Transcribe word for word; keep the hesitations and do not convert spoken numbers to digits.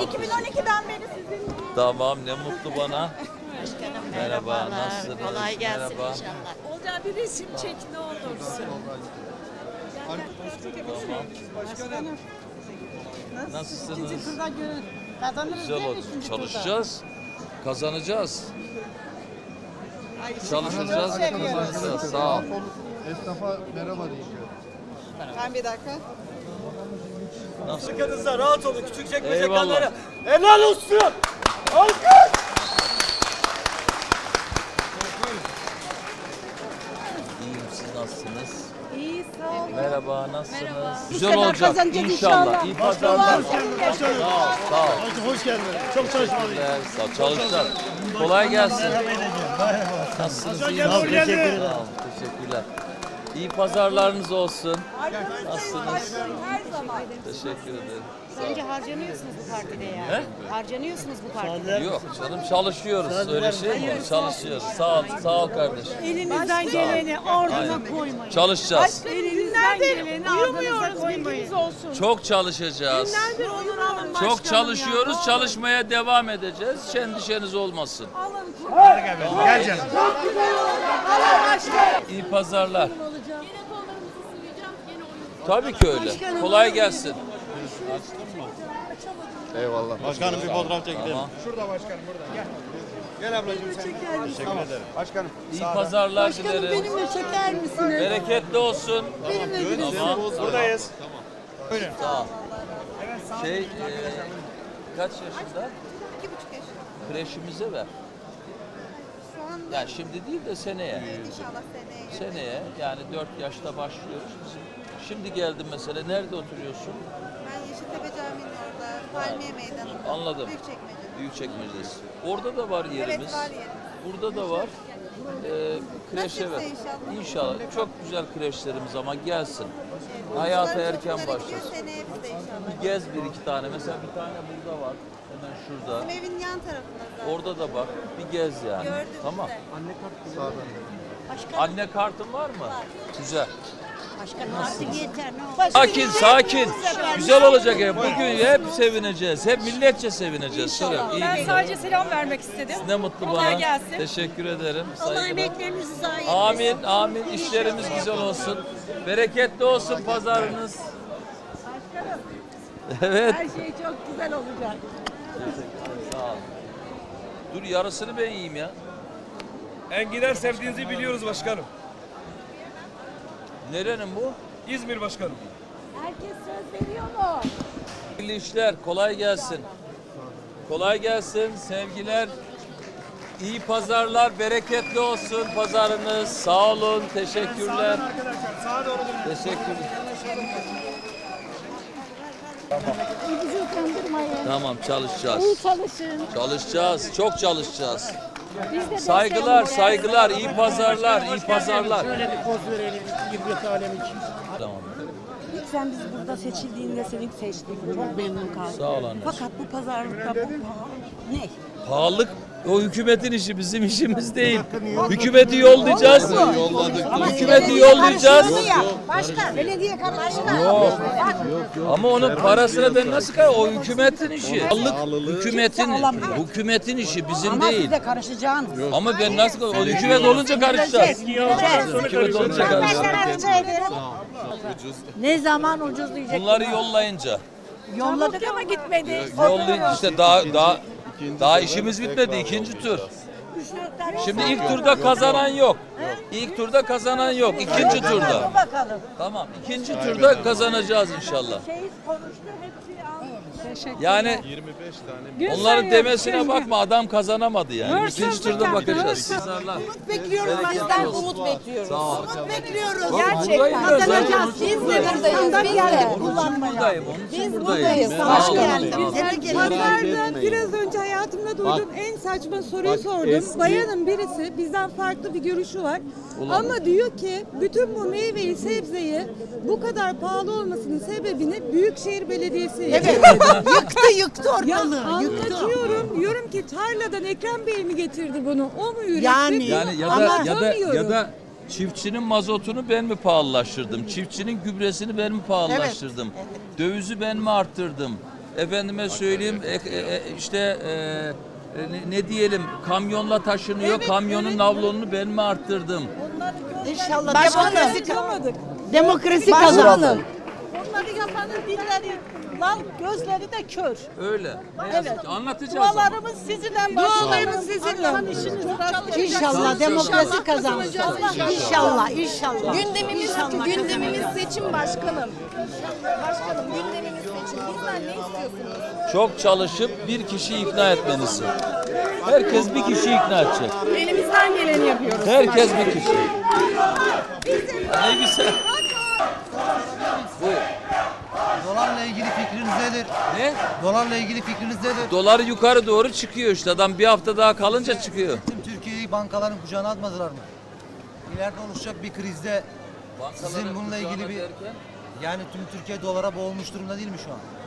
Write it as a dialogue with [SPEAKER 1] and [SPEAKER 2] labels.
[SPEAKER 1] iki bin on ikiden beri sizinle.
[SPEAKER 2] Tamam, ne mutlu bana.
[SPEAKER 3] Başkanım
[SPEAKER 2] Merhaba,
[SPEAKER 3] merhabalar.
[SPEAKER 2] nasılsınız?
[SPEAKER 3] Kolay gelsin
[SPEAKER 2] Merhaba.
[SPEAKER 3] inşallah.
[SPEAKER 1] Olcay bir resim çek ne olursun.
[SPEAKER 2] Tamam.
[SPEAKER 1] Başkanım.
[SPEAKER 2] Nasılsınız?
[SPEAKER 1] İkinci turda görün. Kazanırız
[SPEAKER 2] Güzel
[SPEAKER 1] değil mi
[SPEAKER 2] oldu.
[SPEAKER 1] üçüncü
[SPEAKER 2] Çalışacağız. Kazanacağız.
[SPEAKER 1] turda?
[SPEAKER 2] Çalışacağız, kazanacağız. Sağ ol.
[SPEAKER 4] Esnafa merhaba diyeceğim.
[SPEAKER 1] Ben bir dakika.
[SPEAKER 2] Nasıl?
[SPEAKER 5] Arkanızda rahat olun. Küçük çekmece
[SPEAKER 2] Eyvallah.
[SPEAKER 5] kanları. Helal olsun. Alkış.
[SPEAKER 2] İyiyim, siz nasılsınız?
[SPEAKER 1] İyi sağ ol.
[SPEAKER 2] Merhaba, nasılsınız?
[SPEAKER 1] Merhaba.
[SPEAKER 2] Güzel
[SPEAKER 1] Bu sefer
[SPEAKER 2] olacak
[SPEAKER 1] kazanacağız
[SPEAKER 2] inşallah.
[SPEAKER 1] inşallah.
[SPEAKER 2] İyi pazarlar. Sağ ol, sağ ol.
[SPEAKER 4] Hoş geldin. Çok çalışmalıyım.
[SPEAKER 2] Teşekkürler, sağ ol. Çalışacağız. Kolay gelsin. Nasılsınız? İyi
[SPEAKER 4] Sağ ol,
[SPEAKER 2] misiniz?
[SPEAKER 4] teşekkür
[SPEAKER 2] Sağ ol, teşekkürler. İyi pazarlarınız olsun. Nasılsınız?
[SPEAKER 1] Her zaman.
[SPEAKER 2] Teşekkür ederim.
[SPEAKER 3] Bence harcanıyorsunuz bu partide ya.
[SPEAKER 2] He?
[SPEAKER 3] Harcanıyorsunuz bu partide.
[SPEAKER 2] Yok canım, çalışıyoruz. Öyle şey mi olur? Çalışıyoruz. Sağ ol, sağ ol kardeşim.
[SPEAKER 1] Elinizden geleni ardına koymayın.
[SPEAKER 2] Çalışacağız.
[SPEAKER 1] Elinizden geleni uyumuyoruz bilginiz olsun.
[SPEAKER 2] Çok çalışacağız.
[SPEAKER 1] Günlerdir uyumuyoruz.
[SPEAKER 2] Çok çalışıyoruz. Çalışmaya devam edeceğiz. Endişeniz olmasın.
[SPEAKER 4] Gel canım.
[SPEAKER 2] İyi pazarlar. Tabii ki öyle. Kolay gelsin.
[SPEAKER 4] Eyvallah.
[SPEAKER 6] Başkanım bir fotoğraf çekelim.
[SPEAKER 2] Tamam.
[SPEAKER 4] Şurada başkanım burada. Gel. Gel ablacığım sen. Teşekkür ederim. Başkanım.
[SPEAKER 2] İyi pazarlar dilerim.
[SPEAKER 1] Benimle çeker misiniz?
[SPEAKER 2] Bereketli olsun. Tamam.
[SPEAKER 4] Buradayız.
[SPEAKER 2] Sağ ol. Şey, e, kaç yaşında?
[SPEAKER 1] İki buçuk yaş.
[SPEAKER 2] Kreşimize ver.
[SPEAKER 1] Şu anda
[SPEAKER 2] Yani şimdi değil de seneye.
[SPEAKER 1] inşallah seneye.
[SPEAKER 2] Seneye yani dört yaşta başlıyoruz. Bizim şimdi geldim mesela. Nerede oturuyorsun?
[SPEAKER 1] Ben Yeşiltepe Camii'nin orada, Palmiye Meydanı'nda.
[SPEAKER 2] Anladım.
[SPEAKER 1] Büyükçekmece.
[SPEAKER 2] Büyükçekmece'deyiz. Orada da var yerimiz.
[SPEAKER 1] Evet var yerimiz.
[SPEAKER 2] Burada da var. Ee, kreşe ver.
[SPEAKER 1] Nasipse inşallah.
[SPEAKER 2] İnşallah. Çok güzel kreşlerimiz ama gelsin. Hayata
[SPEAKER 1] Çocuklar
[SPEAKER 2] erken
[SPEAKER 1] çok güzel
[SPEAKER 2] başlasın.
[SPEAKER 1] gidiyor, seneye biz de inşallah.
[SPEAKER 2] Bir gez bir iki tane. Mesela bir tane burada var. Hemen şurada.
[SPEAKER 1] Bizim evin yan tarafında zaten.
[SPEAKER 2] Orada da bak. Bir gez yani.
[SPEAKER 1] Gördüm
[SPEAKER 2] Tamam.
[SPEAKER 1] size.
[SPEAKER 3] Başkanım,
[SPEAKER 2] Anne kartın var mı? Güzel.
[SPEAKER 3] başkanım artık yeter ne olur.
[SPEAKER 2] Sakin, sakin. Güzel olacak hep. Bugün hep sevineceğiz. Hep milletçe sevineceğiz. Söyle. İyi
[SPEAKER 7] Ben
[SPEAKER 2] günler.
[SPEAKER 7] sadece selam vermek istedim.
[SPEAKER 2] Ne mutlu
[SPEAKER 7] Kolay
[SPEAKER 2] bana.
[SPEAKER 7] gelsin.
[SPEAKER 2] Teşekkür ederim.
[SPEAKER 3] Allah
[SPEAKER 2] Saygılar.
[SPEAKER 3] emeklerinizi zayi
[SPEAKER 2] Amin, amin. İşlerimiz güzel olsun. Bereketli olsun pazarınız. Evet.
[SPEAKER 1] Her şey çok güzel olacak.
[SPEAKER 2] Sağ ol. Dur yarısını ben yiyeyim ya.
[SPEAKER 5] Enginar sevdiğinizi biliyoruz başkanım.
[SPEAKER 2] Nerenin bu?
[SPEAKER 5] İzmir başkanım.
[SPEAKER 1] Herkes söz veriyor mu?
[SPEAKER 2] Hayırlı işler. Kolay gelsin. Kolay gelsin. Sevgiler. İyi pazarlar. Bereketli olsun pazarınız. Sağ olun. Teşekkürler.
[SPEAKER 4] Arkadaşlar sağa doğru dönün.
[SPEAKER 2] Teşekkürler.
[SPEAKER 1] Bizi utandırmayın.
[SPEAKER 2] Tamam çalışacağız.
[SPEAKER 1] İyi çalışın.
[SPEAKER 2] Çalışacağız. Çok çalışacağız.
[SPEAKER 1] Biz de
[SPEAKER 2] Saygılar, saygılar. İyi pazarlar. iyi pazarlar.
[SPEAKER 4] Şöyle bir poz verelim. Girbiyet alemi için.
[SPEAKER 2] Tamam.
[SPEAKER 8] Sen bizi burada seçildiğinde seni seçtik. Çok memnun kaldım.
[SPEAKER 2] Sağ ol anne.
[SPEAKER 8] Fakat bu pazarlıkta bu ne?
[SPEAKER 2] Pahalılık o hükümetin işi, bizim işimiz değil. Hükümeti yollayacağız. Hükümeti yollayacağız.
[SPEAKER 1] Başkan, belediye karışma.
[SPEAKER 2] Yok. Ama onun parasını ben nasıl kay? O hükümetin işi. Pahalılık hükümetin hükümetin işi, bizim
[SPEAKER 8] Ama
[SPEAKER 2] değil.
[SPEAKER 8] siz de karışacaksınız.
[SPEAKER 2] Ama ben nasıl o hükümet olunca karışacağız. Hükümet olunca karışacağız.
[SPEAKER 8] Ne zaman ucuzlayacak?
[SPEAKER 2] Bunları yollayınca.
[SPEAKER 8] Yolladık
[SPEAKER 1] Ama gitmedi.
[SPEAKER 2] Yollayınca işte daha daha daha işimiz bitmedi, ikinci tur. Şimdi ilk turda kazanan yok. İlk turda kazanan yok. İkinci turda.
[SPEAKER 8] bakalım.
[SPEAKER 2] Tamam. İkinci turda kazanacağız inşallah. Yani onların demesine bakma, adam kazanamadı yani. İkinci turda bakacağız.
[SPEAKER 1] Umut bekliyoruz bizden, umut bekliyoruz.
[SPEAKER 2] Sağ ol.
[SPEAKER 1] Umut bekliyoruz.
[SPEAKER 2] Buradayım ben zaten.
[SPEAKER 1] Kazanacağız. Biz de buradayız. Biz de.
[SPEAKER 2] Onun için buradayım. Onun için
[SPEAKER 1] Biz
[SPEAKER 2] buradayım.
[SPEAKER 1] buradayız.
[SPEAKER 2] Sağ
[SPEAKER 1] Hoş
[SPEAKER 2] olun.
[SPEAKER 1] geldiniz.
[SPEAKER 9] Pazarda biraz önce hayatımda duyduğum en saçma soruyu sordum. Bayanın birisi bizden farklı bir görüşü var. Ama diyor ki bütün bu meyveyi, sebzeyi bu kadar pahalı olmasının sebebini Büyükşehir Belediyesi yapıyor.
[SPEAKER 1] Yıktı yıktı
[SPEAKER 9] Ya
[SPEAKER 1] ortalığı.
[SPEAKER 9] anlatıyorum. Diyorum ki tarladan Ekrem Bey mi getirdi bunu? O mu üretti?
[SPEAKER 1] Yani-
[SPEAKER 2] Yani ya da ya da ya da çiftçinin mazotunu ben mi pahalılaştırdım? Çiftçinin gübresini ben mi pahalılaştırdım? Dövizi ben mi arttırdım? efendime söyleyeyim e, e, e, işte e, e, ne, ne diyelim kamyonla taşınıyor. Kamyonun nablonunu ben mi arttırdım?
[SPEAKER 3] İnşallah
[SPEAKER 8] Başkanım.
[SPEAKER 3] demokrasi, demokrasi kazandı. Onları yapanın dilleri lal, gözleri de kör.
[SPEAKER 2] Öyle. Ne
[SPEAKER 3] Evet.
[SPEAKER 2] yazık ki. Anlatacağız ama.
[SPEAKER 3] Dualarımız sizinle başkanım.
[SPEAKER 9] Dualarımız sizinle.
[SPEAKER 3] Allah'ın işiniz rast gelecek.
[SPEAKER 2] İnşallah demokrasi
[SPEAKER 3] kazanır. İnşallah, inşallah.
[SPEAKER 6] Gündemimiz,
[SPEAKER 3] İnşallah
[SPEAKER 6] gündemimiz
[SPEAKER 3] kazanacağız.
[SPEAKER 6] seçim başkanım. Başkanım gündemimiz seçim. Bizden ne istiyorsunuz?
[SPEAKER 2] Çok çalışıp bir kişiyi ikna etmenizi. Herkes bir kişiyi ikna edecek.
[SPEAKER 6] Elimizden geleni yapıyoruz.
[SPEAKER 2] Herkes bir kişi. Ne güzel. Buyur.
[SPEAKER 7] Dolarla ilgili fikriniz nedir?
[SPEAKER 2] Ne?
[SPEAKER 7] Dolarla ilgili fikriniz nedir?
[SPEAKER 2] Dolar yukarı doğru çıkıyor işte. Adam bir hafta daha kalınca çıkıyor.
[SPEAKER 7] Tüm Türkiye'yi bankaların kucağına atmadılar mı? İleride oluşacak bir krizde sizin bununla ilgili bir... Yani tüm Türkiye dolara boğulmuş durumda değil mi şu an?